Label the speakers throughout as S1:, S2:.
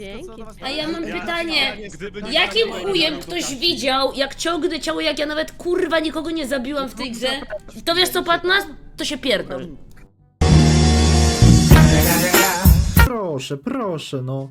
S1: Dzięki.
S2: A ja mam pytanie.
S3: Gdyby nie
S2: Jakim
S3: było
S2: chujem
S3: elementu
S2: ktoś
S3: Kasi.
S2: widział, jak ciągnę ciało, jak ja nawet kurwa nikogo nie zabiłam w tej grze? To wiesz co, Patnas? To się pierdol.
S4: Proszę, proszę, no.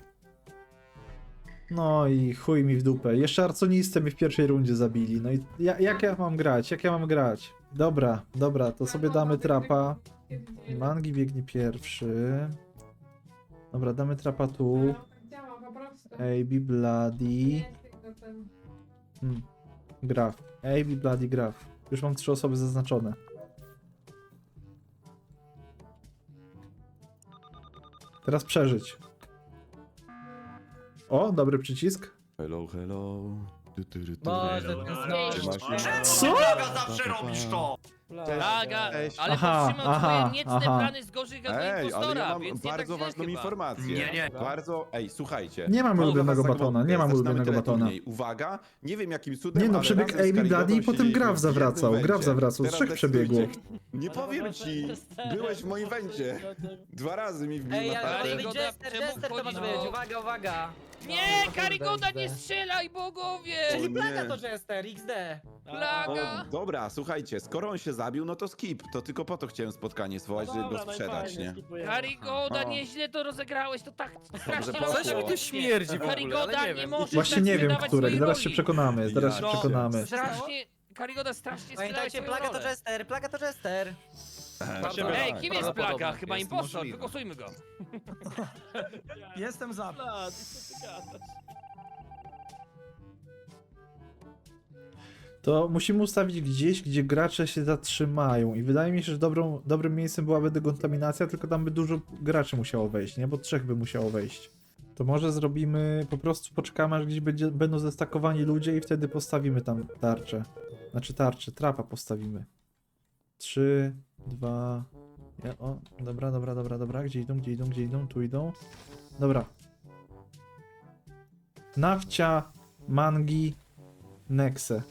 S4: No i chuj mi w dupę. Jeszcze arconistę mi w pierwszej rundzie zabili. No i jak ja mam grać? Jak ja mam grać? Dobra, dobra, to sobie damy trapa. Mangi biegnie pierwszy. Dobra, damy trapa tu. AB Bloody. Graf. AB Bloody Graf. Już mam 3 osoby zaznaczone. Teraz przeżyć. O, dobry przycisk.
S3: Hello, hello.
S5: Boże, ten
S4: Co?
S6: Zawsze robisz to!
S5: Plaga, ale
S4: Aha,
S5: powstrzymał
S4: aha,
S5: twoje niecne
S4: aha.
S5: plany z gorzkiego
S3: Ej, ale
S5: impostora,
S3: ja mam
S5: więc nie
S3: bardzo
S5: tak
S3: ważną
S5: źle chyba.
S3: informację.
S6: Nie.
S3: Bardzo, słuchajcie.
S4: Nie mamy
S3: Mogę
S4: ulubionego
S3: was
S4: batona, nie
S3: zaglądać.
S4: mamy
S3: Zaczynamy
S4: ulubionego batona.
S3: teleturniej. Uwaga, nie wiem jakim cudem,
S4: Nie no,
S3: ale
S4: przebieg
S3: razem z
S4: AB
S3: Karigodą
S4: Bloody i potem
S3: siedzieliśmy
S4: Graf
S3: w
S4: zawracał.
S3: jednym
S4: Graf
S3: węcie.
S4: zawracał, z
S3: Teraz
S4: 3 przebiegło.
S3: decydujcie. Nie powiem ci, byłeś w moim węcie. 2 razy mi wbił
S7: Ej,
S3: na
S7: ja
S3: tatę.
S5: Karigoda,
S7: Jester,
S5: czemu
S7: Jester to
S5: wchodzisz
S7: masz
S5: do-
S7: być, uwaga, uwaga!
S5: Nie, Karigoda, nie strzelaj, bogowie!
S7: Czyli
S3: nie.
S7: plaga to Jester, XD!
S5: Plaga!
S3: O, dobra, słuchajcie, skoro on się zabił, no to skip. To tylko po to chciałem spotkanie zwołać, żeby go sprzedać, nie?
S5: Karigoda,
S3: O.
S5: nieźle to rozegrałeś, to tak strasznie
S3: poszło.
S5: rozeszło.
S3: Coś mi tu
S8: śmierdzi w ogóle,
S5: Karigoda,
S8: ale nie
S5: nie
S8: wiem.
S5: możesz
S4: Właśnie
S5: tak
S4: nie wiem,
S5: sprzedawać
S4: którek.
S5: swojej
S4: Zaraz się
S5: roli.
S4: przekonamy, zaraz się
S3: Ja.
S4: przekonamy.
S5: Strasznie, Karigoda, strasznie sprzedałeś
S7: Pamiętajcie,
S5: swoją
S7: plaga to
S5: rolę.
S7: Jester, plaga to Jester!
S5: Ej, kim jest plaga?
S8: Prawdopodobnie
S5: Chyba
S8: jest
S5: impostor,
S8: możliwe.
S5: wygłosujmy go.
S9: Jestem za.
S4: To musimy ustawić gdzieś, gdzie gracze się zatrzymają. I wydaje mi się, że dobrym miejscem byłaby dekontaminacja, tylko tam by dużo graczy musiało wejść, nie? Bo 3 by musiało wejść. To może zrobimy, po prostu poczekamy, aż gdzieś będą zestakowani ludzie i wtedy postawimy tam tarczę. Znaczy tarczę, trapa postawimy. 3, 2... O, dobra. Gdzie idą? Tu idą. Dobra. Nawcia, Mangi, Nexe.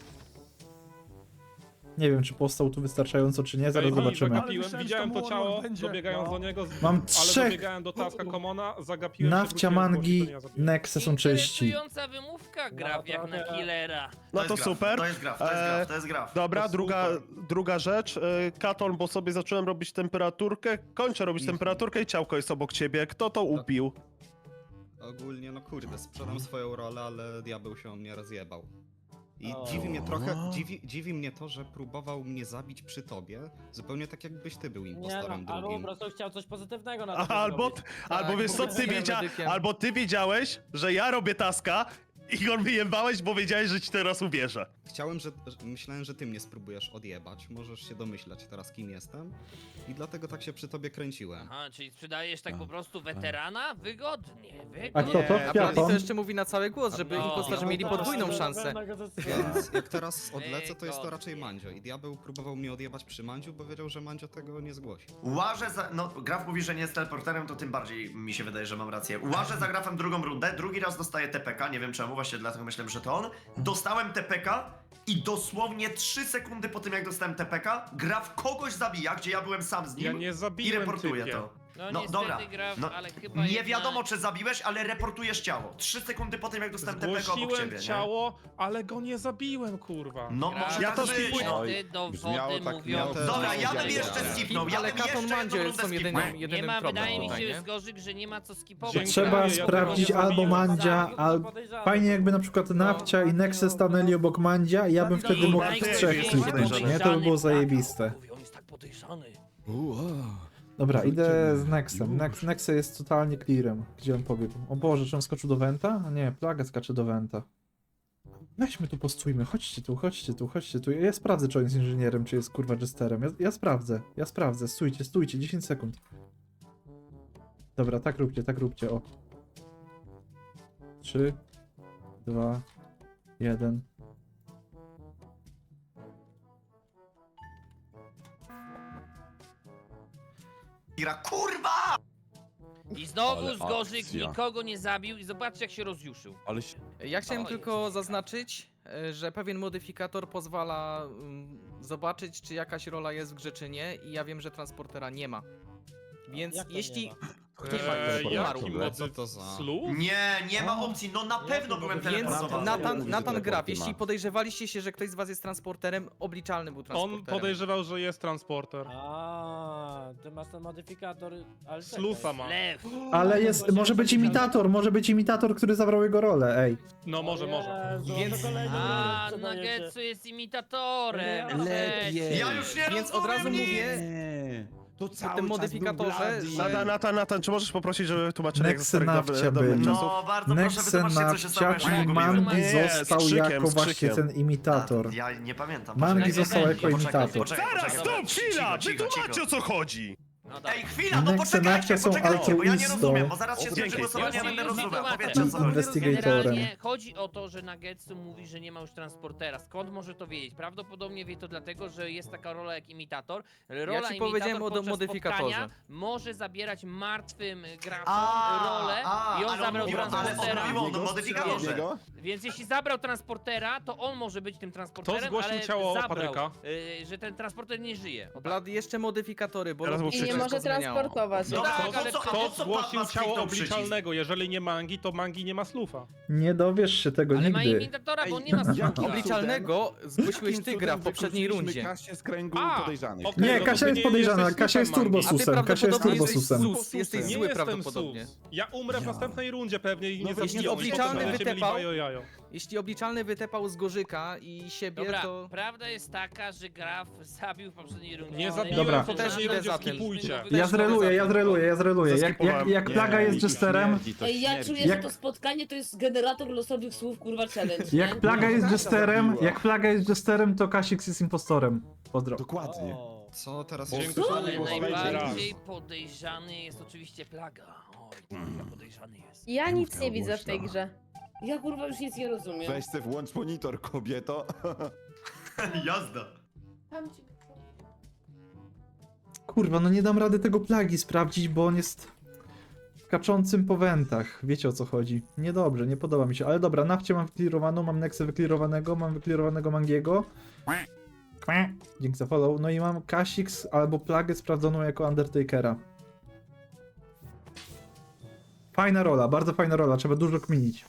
S4: Nie wiem, czy postał tu wystarczająco, czy nie, zaraz zobaczymy.
S9: Zagapiłem, widziałem to ciało, dobiegając do niego,
S4: Mam
S9: ale
S4: 3.
S9: dobiegałem do taska Commona, zagapiłem się,
S4: Nawcia,
S9: wróciłem,
S4: Mangi,
S9: zgłosić, to nie ja zabiłem.
S4: Nexe są czyści.
S5: Interesująca wymówka, graf jak na killera.
S10: No to super.
S6: To jest graf, to jest graf.
S10: Dobra,
S9: To
S10: druga rzecz. Katon, bo sobie zacząłem robić temperaturkę. Kończę robić temperaturkę i ciałko jest obok ciebie. Kto to ubił?
S11: Ogólnie, no kurde, sprzedam swoją rolę, ale diabeł się o mnie rozjebał. I dziwi mnie trochę, dziwi mnie to, że próbował mnie zabić przy tobie, zupełnie tak jakbyś ty był
S7: Nie no,
S11: impostorem
S7: albo po
S11: drugim.
S7: prostu chciał coś pozytywnego na
S10: Aha, albo wiesz co, albo ty wiedziałeś, że ja robię taska i on wyjebałeś, bo wiedziałeś, że ci teraz uwierzę.
S11: Myślałem, że ty mnie spróbujesz odjebać, możesz się domyślać teraz kim jestem i dlatego tak się przy tobie kręciłem.
S5: Aha, czyli sprzedajesz tak po prostu weterana? Wygodnie.
S4: A kto to?
S8: A Blady
S4: Kwiaton?
S8: to jeszcze mówi na cały głos, żeby
S5: No.
S8: impostorzy mieli podwójną szansę.
S11: Więc jak teraz odlecę, to jest to
S5: Wygodnie.
S11: raczej Mandzio i diabeł próbował mnie odjebać przy Mandziu, bo wiedział, że Mandzio tego nie zgłosi.
S6: Łażę za... No, Graf mówi, że nie jest teleporterem, to tym bardziej mi się wydaje, że mam rację. Łażę za Grafem drugą rundę, drugi raz dostaję TPK, nie wiem czemu, właśnie dlatego myślałem, że to on. Dostałem TPK i dosłownie 3 sekundy po tym, jak dostałem TPK, Graf kogoś zabija, gdzie ja byłem sam z nim
S9: Ja nie
S6: i
S9: zabiłem
S6: reportuję
S9: typie.
S6: to.
S5: No,
S6: No
S5: niestety,
S6: dobra,
S5: Graf,
S6: no,
S5: ale chyba
S6: nie
S5: jednak...
S6: wiadomo czy zabiłeś, ale reportujesz ciało. 3 sekundy po tym, jak dostałem TPK obok
S9: Zgłosiłem
S6: ciebie, nie?
S9: ciało, ale go nie zabiłem, kurwa.
S6: No
S5: Graf,
S6: może
S10: Ja
S6: tak
S10: to
S6: być,
S10: skipuję.
S6: no.
S5: Niestety
S3: Brzmiało
S5: dowody
S3: tak,
S5: mówią...
S3: miało też-
S6: Dobra, ja bym
S3: Wiarygodne.
S6: jeszcze skipnął, ja
S8: Ale
S6: bym
S8: Katon
S6: jeszcze
S8: Mandzio
S6: jedną
S8: są
S6: rundę skipnął.
S5: Nie ma, wydaje mi
S8: tutaj,
S5: się,
S8: nie?
S5: Zgorzyk, że nie ma co skipować.
S9: Dziękuję.
S4: Trzeba
S9: Ja
S4: sprawdzić
S9: tego nie
S4: albo
S9: zabiłem.
S4: Mandzia, albo... Fajnie jakby na przykład Nawcia i Nexe stanęli obok Mandzia i ja bym wtedy mógł z 3 kliknąć, nie? To by było zajebiste.
S5: On jest tak podejrzany.
S4: Dobra, idę z Nexem. Nexe jest totalnie clearem. Gdzie on pobiegł? O Boże, czy on skoczył do Venta? A nie, Plaga skacze do Venta. Weźmy tu, postójmy. Chodźcie tu. Ja sprawdzę, czy on jest inżynierem, czy jest kurwa jesterem. Ja sprawdzę. Stójcie, 10 sekund. Dobra, tak róbcie, o. 3, 2, 1.
S6: Ira, kurwa!
S5: I znowu
S3: Ale
S5: Zgorzyk
S3: akcja.
S5: nikogo nie zabił i zobaczcie jak się rozjuszył.
S3: Ale się...
S8: Ja chciałem
S5: O,
S8: tylko zaznaczyć, że pewien modyfikator pozwala zobaczyć, czy jakaś rola jest w grze, czy nie, i ja wiem, że transportera nie ma. Więc jeśli
S10: Jaki
S11: No co to za...
S10: Slu?
S6: Nie ma opcji, no na pewno byłem
S8: Więc
S6: teleportowany.
S8: Natan Graf, jeśli podejrzewaliście się, że ktoś z was jest transporterem, obliczalny był
S9: On
S8: transporterem.
S9: podejrzewał, że jest transporter.
S7: A, ty masz ten modyfikator, ale
S9: Slufa ma.
S5: Lew.
S4: Ale jest, może być imitator, który zabrał jego rolę, ej.
S9: No może.
S8: Więc-
S5: A, Nagetsu jest imitatorem.
S7: Lepiej.
S6: Ja już nie
S8: Więc od razu
S6: rozumiem
S8: mówię,
S3: Nie. To
S8: w
S3: cały
S8: tym
S3: czas
S8: modyfikatorze,
S3: był
S8: że...
S10: Natan, czy możesz poprosić, żeby tłumaczyli jak
S4: Nexe Nafcia
S10: dobrych
S4: byli.
S10: czasów?
S6: No bardzo proszę, wytłumaczcie co się stało, jak
S4: Nexenawcia,
S6: się
S4: czyli
S6: pogubiłem.
S4: Mangi
S10: Nie, z
S4: został
S10: krzykiem,
S4: jako
S10: z
S4: właśnie
S10: krzykiem.
S4: ten imitator.
S6: Ja nie pamiętam.
S4: Mangi
S6: Poczekaj,
S4: został jako
S6: poczekaj,
S4: imitator.
S6: poczekaj,
S10: Zaraz,
S6: poczekaj,
S10: stop, chwila!
S6: cicho,
S10: Wytłumaczcie o co chodzi!
S5: No dobra.
S6: Ej, chwila, no
S4: Nexenawcia
S6: poczekajcie,
S4: są
S6: poczekajcie, bo ja nie
S4: altruistą.
S6: rozumiem, bo zaraz się
S10: Dzięki.
S6: skończy głosowanie, ja będę
S5: Już
S6: rozumiał.
S5: wytłumaczę.
S6: Powiedzcie, o co chodzi.
S4: Investigatorem.
S5: Generalnie chodzi o to, że Nagetsu mówi, że nie ma już transportera. Skąd może to wiedzieć? Prawdopodobnie wie to dlatego, że jest taka rola jak imitator. Rola
S8: Ja ci
S5: imitator
S8: powiedziałem o
S5: podczas
S8: modyfikatorze.
S5: spotkania może zabierać martwym grafom
S6: A,
S5: rolę i on
S6: ale
S5: zabrał
S6: mówił- ale
S5: transportera.
S6: on mówił o modyfikatorze.
S5: Więc jeśli zabrał transportera, to on może być tym transporterem,
S9: Kto zgłosił
S5: ale
S9: ciało
S5: zabrał,
S9: Patryka?
S5: że ten transporter nie żyje. O tak.
S8: Blad, jeszcze modyfikatory, bo
S10: Teraz
S8: lobby
S10: mu
S8: się
S10: I nie
S8: wszystko
S1: może
S8: zmieniało.
S1: transportować.
S6: No
S5: tak,
S6: tak,
S5: ale
S6: ale
S9: Kto
S6: co
S9: zgłosił
S6: pan
S9: ciało
S6: kliknął przycisk?
S9: obliczalnego? Jeżeli nie Mangi, to Mangi nie ma slufa.
S4: Nie dowiesz się tego
S5: Ale ma
S4: nigdy.
S5: imitatora, bo on nie ma słucha.
S8: Obliczalnego zgłosiłeś ty, Gra, w poprzedniej rundzie.
S3: Kasię z kręgu
S9: A,
S3: podejrzanych.
S9: okej.
S4: Nie,
S9: no to
S4: Kasia
S9: ty
S4: jest
S9: nie
S4: podejrzana,
S9: jesteś
S4: Kasia jest
S9: słupem Mangi.
S4: turbosusem, Kasia jest
S8: prawdopodobnie jesteś
S4: turbosusem.
S8: sus, jesteś
S9: Nie
S8: zły
S9: jestem
S8: prawdopodobnie.
S9: sus. Ja umrę w następnej rundzie pewnie i nie
S3: No
S9: zabijam.
S3: jeśli
S8: obliczalny
S9: Potem będziecie mieli
S8: wytepał-
S9: bajo jajo.
S8: Jeśli obliczalny wytepał z Gorzyka i siebie,
S5: Dobra,
S8: to...
S5: prawda jest taka, że Graf zabił w poprzedniej rundzie.
S9: Nie zabiłem
S4: Dobra.
S9: w poprzedniej
S8: Też
S9: rundzie,
S8: idę za tym.
S9: skipujcie.
S4: Ja zreluję. Jak plaga jest jesterem,
S2: Ej, ja czuję, że to spotkanie to jest generator losowych słów, kurwa, challenge. nie?
S4: jak plaga jest jesterem, to Kasix jest impostorem. Pozdro.
S3: Dokładnie.
S11: Co teraz
S9: Dziękuję.
S11: się
S5: Ale
S9: Bo
S5: najbardziej podejrzany jest oczywiście Plaga. Oj, to chyba podejrzany jest.
S1: Ja nic nie widzę w tej grze.
S2: Ja kurwa już nic nie rozumiem.
S3: Weź se włącz monitor, kobieto.
S6: Jazda.
S4: Kurwa, no nie dam rady tego plagi sprawdzić, bo on jest skaczącym po wentach. Wiecie o co chodzi. Niedobrze, nie podoba mi się. Ale dobra, nafcie mam wyklirowaną, mam Nexę wyklirowanego, mam wyklirowanego Mangiego. Dzięki za follow. No i mam Kasix albo plagę sprawdzoną jako Undertakera. Fajna rola, bardzo fajna rola, trzeba dużo kminić.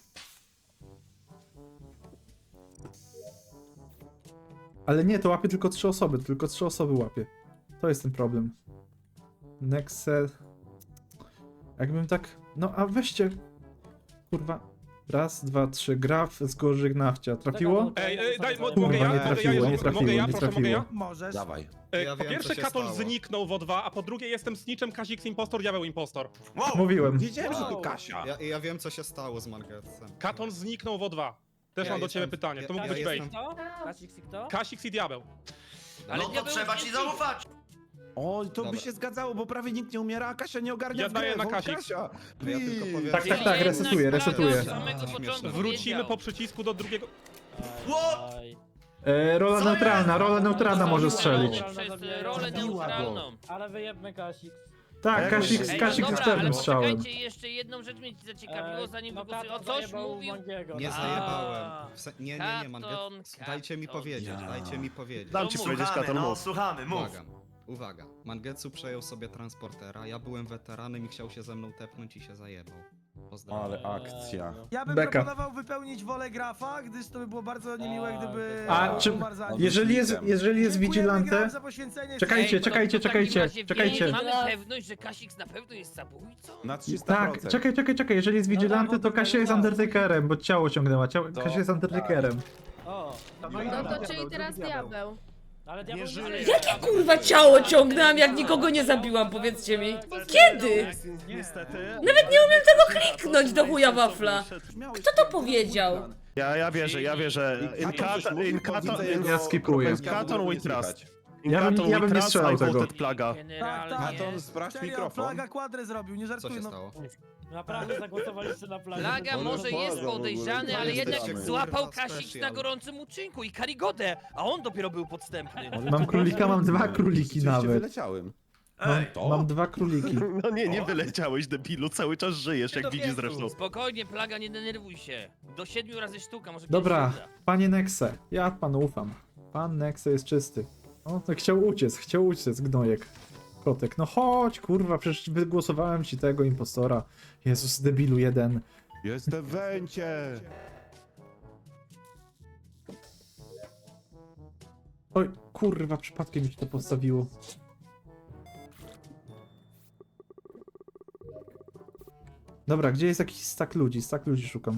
S4: Ale nie, to łapie tylko 3 osoby, tylko 3 osoby łapie. To jest ten problem. Nexe... Jakbym tak... No a weźcie... Kurwa... Raz, dwa, trzy. Graf z Gorzyk Nafcia. Trafiło?
S9: Ej, daj,
S4: Kurwa,
S9: mogę ja?
S4: nie trafiło, nie trafiło,
S9: Mogę ja?
S4: nie
S9: Proszę, mogę ja?
S7: Możesz.
S3: Dawaj.
S11: Ja
S9: Po
S11: wiem,
S9: pierwsze
S11: co się
S9: Katon
S11: stało.
S9: zniknął w O2, a po drugie jestem snitchem, Kasix impostor, diabeł impostor.
S6: Wow.
S4: Mówiłem.
S3: Wiedziałem, że to Kasia.
S11: Ja wiem, co się stało z Margetsem.
S9: Katon zniknął w O2. Też
S11: Ja
S9: mam do ciebie
S11: jestem-
S9: pytanie, to mógł
S11: ja
S9: być
S11: jestem-
S9: bait.
S7: Kto? Kasik kto?
S9: Kasix i diabeł.
S5: Ale
S6: No to
S5: diabeł
S6: trzeba
S5: jest
S6: ci
S5: niewinny.
S6: zaufać.
S3: O, to by
S11: Dobra.
S3: się zgadzało, bo prawie nikt nie umiera, a Kasia nie ogarnia
S9: Ja
S3: w grę.
S9: daję na
S3: Wol
S9: Kasik.
S3: Kasia.
S11: Ja tylko powiem,
S4: Tak,
S11: że-
S4: tak, tak, resetuję,
S5: Jednak
S4: resetuję.
S5: Plaga od samego początku
S9: Wrócimy
S5: wiedział.
S9: po przycisku do drugiego...
S6: What?
S7: Aj.
S4: Rola
S6: Co
S4: neutralna,
S6: jest?
S4: rola neutralna może strzelić.
S5: Przez rolę neutralną.
S7: Ale wyjebmy Kasik.
S4: Tak, Kasik
S5: Ej,
S4: Kasik
S5: no
S4: z
S5: dobra, ale
S4: czarnym strzałem.
S5: poczekajcie, jeszcze jedną rzecz mnie zaciekawiło, zanim
S7: no
S5: wygłosuję. O
S7: Katon
S5: coś
S7: zajebał
S5: mówił...
S7: Mangiego.
S11: Nie
S5: A.
S11: zajebałem. Nie,
S5: Katon,
S11: Manget. Dajcie mi
S5: Katon.
S11: powiedzieć,
S3: Ja.
S11: dajcie mi powiedzieć.
S10: Dam ci powiedzieć,
S6: Słuchamy,
S10: Katon,
S6: no
S10: mów.
S6: słuchamy, mów.
S11: Uwaga. Mangetsu przejął sobie transportera, ja byłem weteranem i chciał się ze mną tepnąć i się zajebał. Pozdrawiam.
S3: Ale akcja.
S7: Ja bym
S4: Beka.
S7: proponował wypełnić wolę Grafa, gdyż to by było bardzo niemiłe, gdyby...
S4: A czy-
S7: umarł za nim.
S4: Jeżeli jest
S7: Dziękujemy,
S4: vigilante...
S7: Graf, za poświęcenie.
S4: Czekajcie,
S5: Ej, to
S4: czekajcie,
S5: w takim
S4: czekajcie,
S5: razie
S4: czekajcie.
S5: Mamy pewność, że Kasix na pewno jest zabójcą?
S3: Na 300%.
S4: Tak, czekaj, jeżeli jest vigilante, to Kasia jest Undertakerem, bo ciało ciągnęła, Kasia jest Undertakerem.
S7: O,
S1: No to czyli teraz diabeł.
S7: ale diabeł
S10: żyje.
S7: żyje.
S2: Jakie kurwa ciało ciągnęłam, jak nikogo nie zabiłam, powiedzcie mi. Kiedy?
S10: Niestety.
S2: Nawet nie umiem tego kliknąć do chuja wafla. Kto to powiedział?
S10: Ja wierzę.
S4: Ja skipuję.
S10: Katon we trust.
S4: Ja bym nie strzelał tego.
S10: Plaga.
S5: Generalnie...
S3: Katon, sprawdź
S7: Serio,
S3: mikrofon.
S7: Plaga kwadrę zrobił, nie
S11: Co
S7: żartuję.
S11: się
S7: No.
S11: stało?
S7: Naprawdę zagłosowaliście na Plagę.
S5: Plaga może jest podejrzany, ale jednak
S11: Jesteście,
S5: złapał
S11: kurwa,
S5: Kasix
S11: special.
S5: na gorącym uczynku i Karigodę, a on dopiero był podstępny.
S4: Mam królika, mam 2 króliki
S3: Oczywiście
S4: nawet.
S3: wyleciałem.
S4: Mam 2 króliki.
S10: No nie wyleciałeś, debilu, cały czas żyjesz, jak widzisz zresztą.
S5: Spokojnie, Plaga, nie denerwuj się. Do 7 razy sztuka, może
S4: Dobra,
S5: kiedyś się uda.
S4: panie Nexe, ja panu ufam. Pan Nexe jest czysty. O, to chciał uciec, gnojek. Kotek, no chodź, kurwa, przecież wygłosowałem ci tego impostora. Jezus, debilu jeden.
S3: Jestem w węcie!
S4: Oj, kurwa, przypadkiem mi się to postawiło. Dobra, gdzie jest jakiś stack ludzi? Stack ludzi szukam.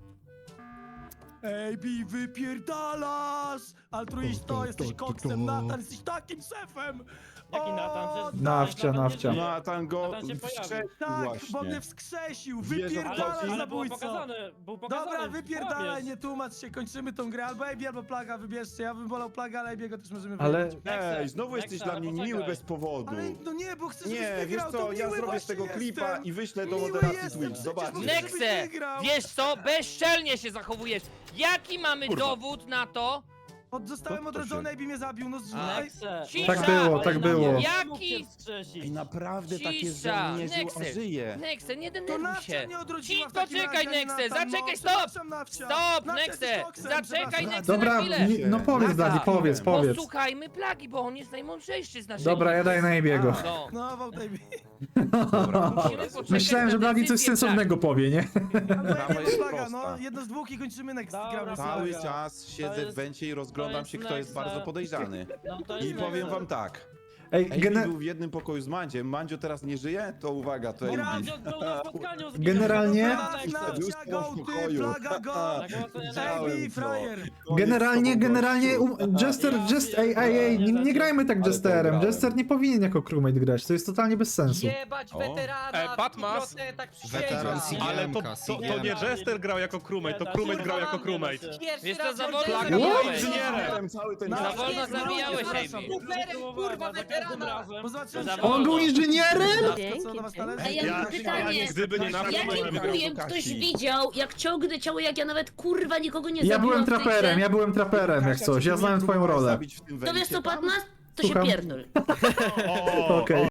S7: Ej, Bi, wypierdalasz! Altruisto, jesteś koksem, Natan, jesteś takim szefem!
S12: Jaki Natan? Przecież
S4: Nawcia,
S12: Natan
S4: nawcia.
S12: nie żyje.
S3: Natan go
S12: Natan się pojawił.
S3: wszedł
S7: Tak,
S3: właśnie.
S7: bo mnie wskrzesił!
S3: Wierzę w
S7: Wypierdalasz,
S3: to,
S12: Ale było
S7: zabójco!
S12: pokazane,
S7: Dobra, wypierdalaj,
S12: kłamiesz.
S7: nie tłumacz się, kończymy tą grę. Albo Ebi, albo Plaga, wybierzcie. Ja bym wolał Plaga, ale Ebiego też możemy
S4: Ale-
S7: wybrać.
S3: Ej, znowu jesteś
S12: Nexa,
S3: dla mnie
S12: poczekaj.
S3: niemiły bez powodu.
S7: Ale no nie, bo chcę, żebyś
S3: Nie, wiesz
S7: wygrał,
S3: co,
S7: to
S3: ja
S7: miły
S3: zrobię z
S7: właśnie
S3: tego klipa
S7: jestem.
S3: i wyślę do
S7: Miły
S3: moderacji
S7: jestem,
S3: Twitch,
S7: przecież
S3: zobaczysz.
S7: mówię, żebyś
S5: Nexe,
S7: wygrał.
S5: wiesz co? Bezczelnie się zachowujesz. Jaki mamy dowód na to?
S7: Zostałem
S3: To się-
S7: odrodzony, Ebi mnie zabił, no
S12: Nexe.
S5: Cisza!
S4: Tak było, tak było.
S5: Jaki?
S3: Ej, naprawdę tak jest, że
S5: Cisza!
S3: on nie żył, a
S5: Nexe,
S3: żyje.
S5: Nexe, nie
S7: To
S5: denerwuj
S7: Nawcia
S5: się.
S7: mnie odrodziła
S5: Ci,
S7: w takim
S5: poczekaj,
S7: razie, a nie
S5: Nexe,
S7: Natan.
S5: zaczekaj,
S7: No,
S5: stop!
S7: przepraszam, Nawcia.
S5: Stop,
S7: Nawcia, jesteś
S5: Nexe!
S7: koksem,
S5: Zaczekaj,
S7: przepraszam.
S5: Nexe, na
S4: Dobra,
S5: chwilę!
S4: no powiedz, Dani, powiedz, powiedz.
S5: Posłuchajmy Plagi, bo on jest najmądrzejszy z naszych.
S4: Dobra, ja daję na Ebiego.
S5: No.
S7: No, wołt Ebi.
S5: Musimy poczekać
S4: Myślałem, że
S5: na
S4: Bladi coś
S5: decyzję
S4: sensownego powie, nie?
S3: Sprawa jest
S7: Plaga, no,
S3: prosta.
S7: jedno z dwóch i kończymy next.
S12: Dobra,
S7: Gramy
S3: Cały
S12: Plaga.
S3: czas siedzę
S12: jest-
S3: w węcie i rozglądam
S12: jest
S3: się, kto jest
S12: Nexa.
S3: bardzo podejrzany.
S12: No to
S3: I
S12: jest
S3: powiem
S12: Nexe.
S3: wam tak.
S4: Ej,
S3: Ejbi był w jednym pokoju z Mandziem. Mandzio teraz nie żyje? To uwaga, to Ejbi.
S12: Mandzio był na spotkaniu z
S4: Generalnie-
S7: Tak, Nawcia,
S3: Lustro w
S7: go, ty,
S3: pokoju.
S7: Plaga, go! Ebi, frajer!
S4: Generalnie, Jester, ej, nie grajmy tak
S3: Ale to
S4: Jesterem.
S3: grałem.
S4: Jester nie powinien jako crewmate grać, to jest totalnie bez sensu.
S8: Jebać
S3: O.
S8: weterana,
S9: Patmas.
S8: tak
S11: Weteran
S8: przysięgam.
S10: Ale to nie Jester grał jako crewmate, to crewmate grał jako crewmate.
S8: Pierwszy
S5: Wiesz co,
S8: raz
S5: za
S8: w
S5: wolno
S8: życiu
S5: zabijałeś.
S8: zabijałem.
S3: Cały ten
S7: No,
S5: Za
S3: czas.
S5: wolno zabijałeś, Ejbi.
S8: Superem, kurwa, weterana!
S7: Bo zobaczyłem,
S5: Za
S7: że-
S5: wolno.
S4: On był inżynierem?
S7: Co do was należy?
S2: A ja mam pytanie.
S9: Gdyby nie na
S2: Jakim chujem ktoś widział, jak ciągnę ciało, jak ja nawet kurwa nikogo nie
S4: Ja
S2: zabiłam
S4: byłem
S2: w tej
S4: traperem,
S2: grze?
S4: ja byłem traperem jak coś, ja znałem twoją rolę.
S3: Zabić w tym
S2: To wiesz
S3: węcie
S2: co,
S3: tam?
S2: Patmas? To
S4: Słucham?
S2: się pierdol.
S10: O,
S4: Okej.